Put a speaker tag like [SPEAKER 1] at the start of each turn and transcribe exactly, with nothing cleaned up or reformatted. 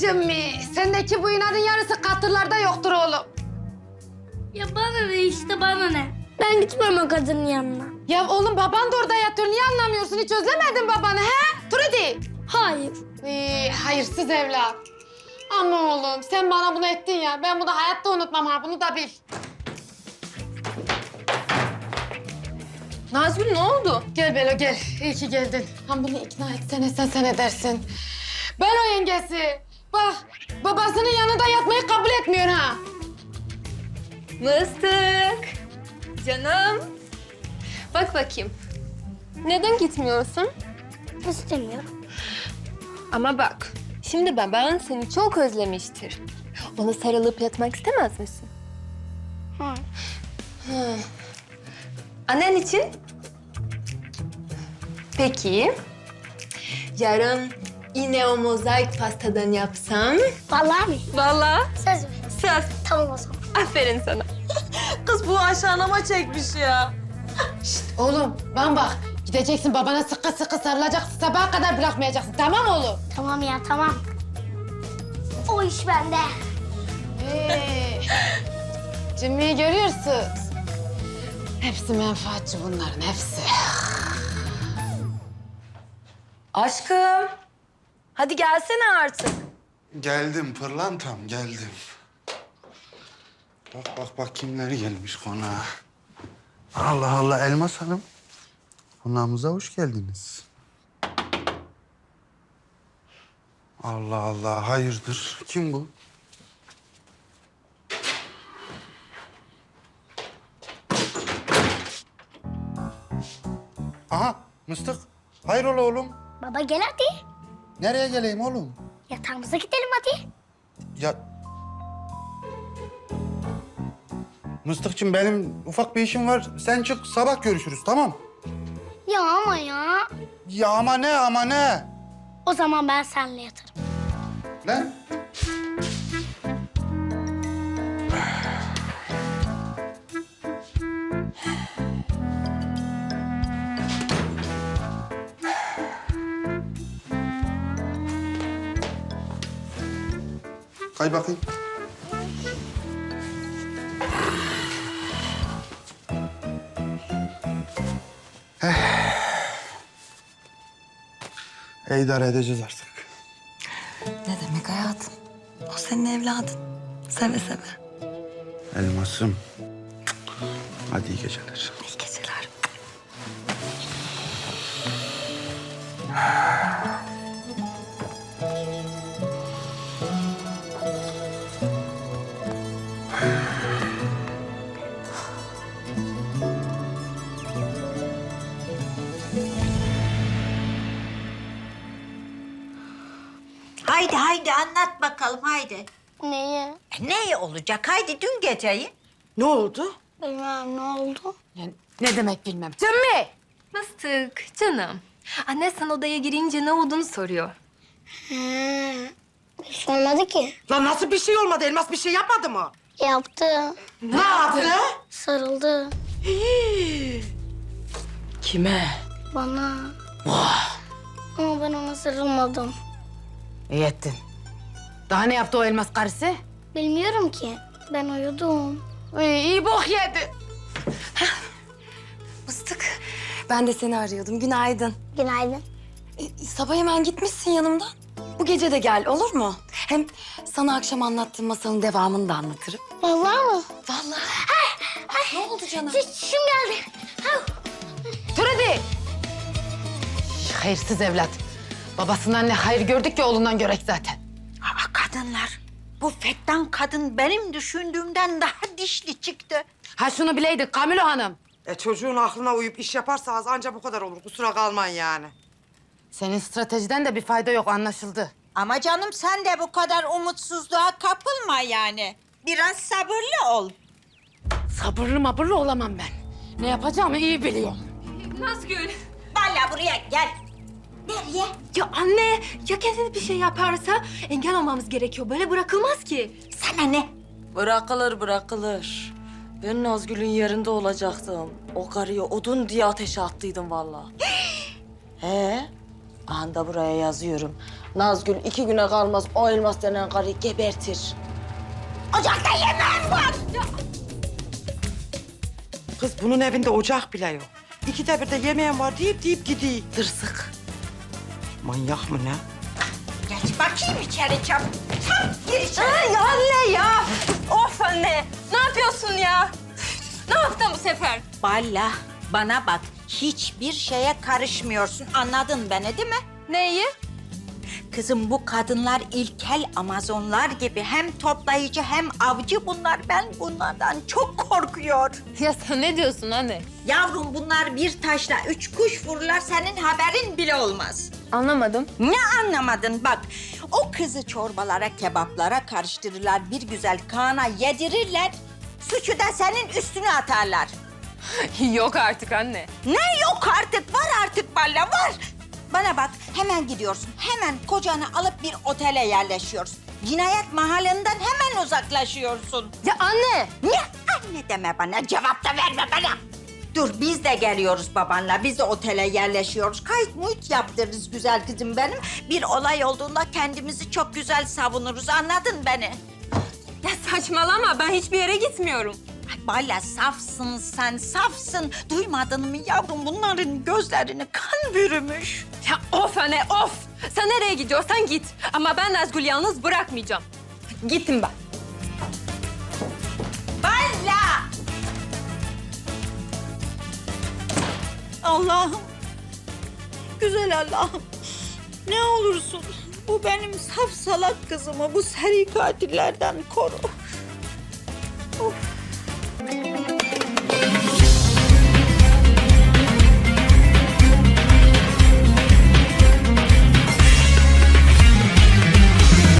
[SPEAKER 1] Cemmi, sendeki bu inadın yarısı katırlarda yoktur oğlum.
[SPEAKER 2] Ya bana ne işte bana ne? Ben gitmem o kadının yanına.
[SPEAKER 1] Ya oğlum baban da orada yatıyor. Niye anlamıyorsun? Hiç özlemedin babanı he? Trudy.
[SPEAKER 2] Hayır.
[SPEAKER 1] Ee, hayırsız evlat. Ama oğlum sen bana bunu ettin ya. Ben bunu hayatta unutmam ha. Bunu da bil.
[SPEAKER 3] Nazgül ne oldu?
[SPEAKER 1] Gel Belo gel. İyi ki geldin. Ha bunu ikna etsene sen sen edersin. Ben o yengesi. Bak babasının yanında yatmayı kabul etmiyor ha.
[SPEAKER 3] Mıstık. Canım. Bak bakayım. Neden gitmiyorsun?
[SPEAKER 2] İstemiyorum.
[SPEAKER 3] Ama bak, şimdi baban seni çok özlemiştir. Ona sarılıp yatmak istemez misin?
[SPEAKER 2] Hı.
[SPEAKER 3] Hı. Annen için? Peki. Yarın yine o mozaik pastadan yapsam?
[SPEAKER 2] Vallahi mi?
[SPEAKER 3] Vallahi.
[SPEAKER 2] Söz mü?
[SPEAKER 3] Söz.
[SPEAKER 2] Tamam o zaman.
[SPEAKER 3] Aferin sana.
[SPEAKER 4] Kız bu aşağılama çekmiş ya.
[SPEAKER 1] Oğlum bana bak. Gideceksin babana sıkı sıkı sarılacaksın. Sabaha kadar bırakmayacaksın. Tamam oğlum?
[SPEAKER 2] Tamam ya tamam. O iş bende.
[SPEAKER 1] Ee, Jimmy'yi görüyorsunuz. Hepsi menfaatçi bunların hepsi.
[SPEAKER 4] Aşkım. Hadi gelsene artık.
[SPEAKER 5] Geldim pırlantam, geldim. Bak bak bak kimler gelmiş konağa. Allah Allah Elmas Hanım. Konağımıza hoş geldiniz. Allah Allah hayırdır? Kim bu? Aha Mıstık. Hayrola oğlum?
[SPEAKER 2] Baba gel hadi.
[SPEAKER 5] Nereye geleyim oğlum?
[SPEAKER 2] Yatağımıza gidelim hadi.
[SPEAKER 5] Ya... Mıstıkçım benim ufak bir işim var. Sen çık sabah görüşürüz tamam?
[SPEAKER 2] Ya ama ya.
[SPEAKER 5] Ya ama ne ama ne?
[SPEAKER 2] O zaman ben seninle yatarım.
[SPEAKER 5] Lan? Kay bakayım. Eh. İdare edeceğiz artık.
[SPEAKER 4] Ne demek hayatım? O senin evladın. Seve seve.
[SPEAKER 5] Elmasım. Hadi iyi geceler.
[SPEAKER 4] İyi geceler.
[SPEAKER 6] Haydi haydi anlat bakalım haydi.
[SPEAKER 2] Neyi?
[SPEAKER 6] E, ne olacak? Haydi dün geceyi.
[SPEAKER 4] Ne oldu?
[SPEAKER 2] Bilmem ne oldu.
[SPEAKER 1] Yani ne demek bilmem. Cemmi!
[SPEAKER 3] Mıstık, canım. Anne sen odaya girince ne olduğunu soruyor.
[SPEAKER 2] He. Bir şey olmadı ki.
[SPEAKER 4] Lan nasıl bir şey olmadı? Elmas bir şey yapmadı mı?
[SPEAKER 2] Yaptı.
[SPEAKER 4] Ne yaptı?
[SPEAKER 2] Sarıldı.
[SPEAKER 4] Kime?
[SPEAKER 2] Bana. Ama ben ona sarılmadım.
[SPEAKER 1] İyi ettin. Daha ne yaptı o elmas karısı?
[SPEAKER 2] Bilmiyorum ki. Ben uyudum.
[SPEAKER 1] İyi, iyi bok yedi.
[SPEAKER 7] Mıstık, ben de seni arıyordum. Günaydın.
[SPEAKER 2] Günaydın.
[SPEAKER 7] E, sabah hemen gitmişsin yanımdan. Bu gece de gel, olur mu? Hem sana akşam anlattığım masalın devamını da anlatırım.
[SPEAKER 2] Vallahi mı?
[SPEAKER 7] Vallahi. Ne oldu canım?
[SPEAKER 2] Çişim geldi.
[SPEAKER 1] Trudy! Hayırsız evlat. Babasından ne hayır gördük ki oğlundan görek zaten.
[SPEAKER 6] Aa, kadınlar. Bu fettan kadın benim düşündüğümden daha dişli çıktı.
[SPEAKER 1] Ha şunu bileydik Kamilo Hanım.
[SPEAKER 4] E çocuğun aklına uyup iş yaparsanız anca bu kadar olur. Kusura kalmayın yani.
[SPEAKER 1] Senin stratejiden de bir fayda yok anlaşıldı.
[SPEAKER 6] Ama canım sen de bu kadar umutsuzluğa kapılma yani. Biraz sabırlı ol.
[SPEAKER 1] Sabırlı mabırlı olamam ben. Ne yapacağımı iyi biliyorum.
[SPEAKER 3] Nazgül.
[SPEAKER 6] Vallahi buraya gel. Nereye?
[SPEAKER 3] Ya anne, ya kendine bir şey yaparsa engel olmamız gerekiyor. Böyle bırakılmaz ki.
[SPEAKER 6] Sana ne?
[SPEAKER 8] Bırakılır bırakılır. Ben Nazgül'ün yerinde olacaktım. O karıyı odun diye ateşe attıydım vallahi. He? Anda buraya yazıyorum. Nazgül iki güne kalmaz o elmas denen karıyı gebertir.
[SPEAKER 6] Ocakta yemeğim var.
[SPEAKER 9] Kız bunun evinde ocak bile yok. İkide bir de yemeğim var deyip deyip gidiyor. Dırsık. Manyak mı ne?
[SPEAKER 6] Geç bakayım içeri çabuk. Çabuk gir içeri.
[SPEAKER 3] Ay anne ya! Of anne! Ne yapıyorsun ya? Ne yaptın bu sefer?
[SPEAKER 6] Balla, bana bak. Hiçbir şeye karışmıyorsun. Anladın beni değil mi?
[SPEAKER 3] Neyi?
[SPEAKER 6] Kızım bu kadınlar ilkel Amazonlar gibi hem toplayıcı hem avcı bunlar. Ben bunlardan çok korkuyor.
[SPEAKER 3] Ya sen ne diyorsun anne?
[SPEAKER 6] Yavrum bunlar bir taşla üç kuş vururlar senin haberin bile olmaz.
[SPEAKER 3] Anlamadım.
[SPEAKER 6] Ne anlamadın bak. O kızı çorbalara, kebaplara karıştırırlar. Bir güzel Kaan'a yedirirler. Suçu da senin üstüne atarlar.
[SPEAKER 3] Yok artık anne.
[SPEAKER 6] Ne yok artık? Var artık Balla var. Bana bak hemen gidiyorsun. Hemen kocanı alıp bir otele yerleşiyorsun. Cinayet mahallinden hemen uzaklaşıyorsun.
[SPEAKER 3] Ya anne!
[SPEAKER 6] Ne anne deme bana, cevap da verme bana. Dur biz de geliyoruz babanla. Biz de otele yerleşiyoruz. Kayıt muhit yaptırırız güzel kızım benim. Bir olay olduğunda kendimizi çok güzel savunuruz. Anladın beni?
[SPEAKER 3] Ya saçmalama ben hiçbir yere gitmiyorum.
[SPEAKER 6] Ay Bala safsın sen, safsın. Duymadın mı yavrum bunların gözlerini kan bürümüş.
[SPEAKER 3] Ya of anne of! Sen nereye gidiyorsan git. Ama ben Nazgül'ü yalnız bırakmayacağım. Gittim ben.
[SPEAKER 6] Bala! Allah'ım, güzel Allah'ım. Ne olursun bu benim saf salak kızımı bu seri katillerden koru. Of.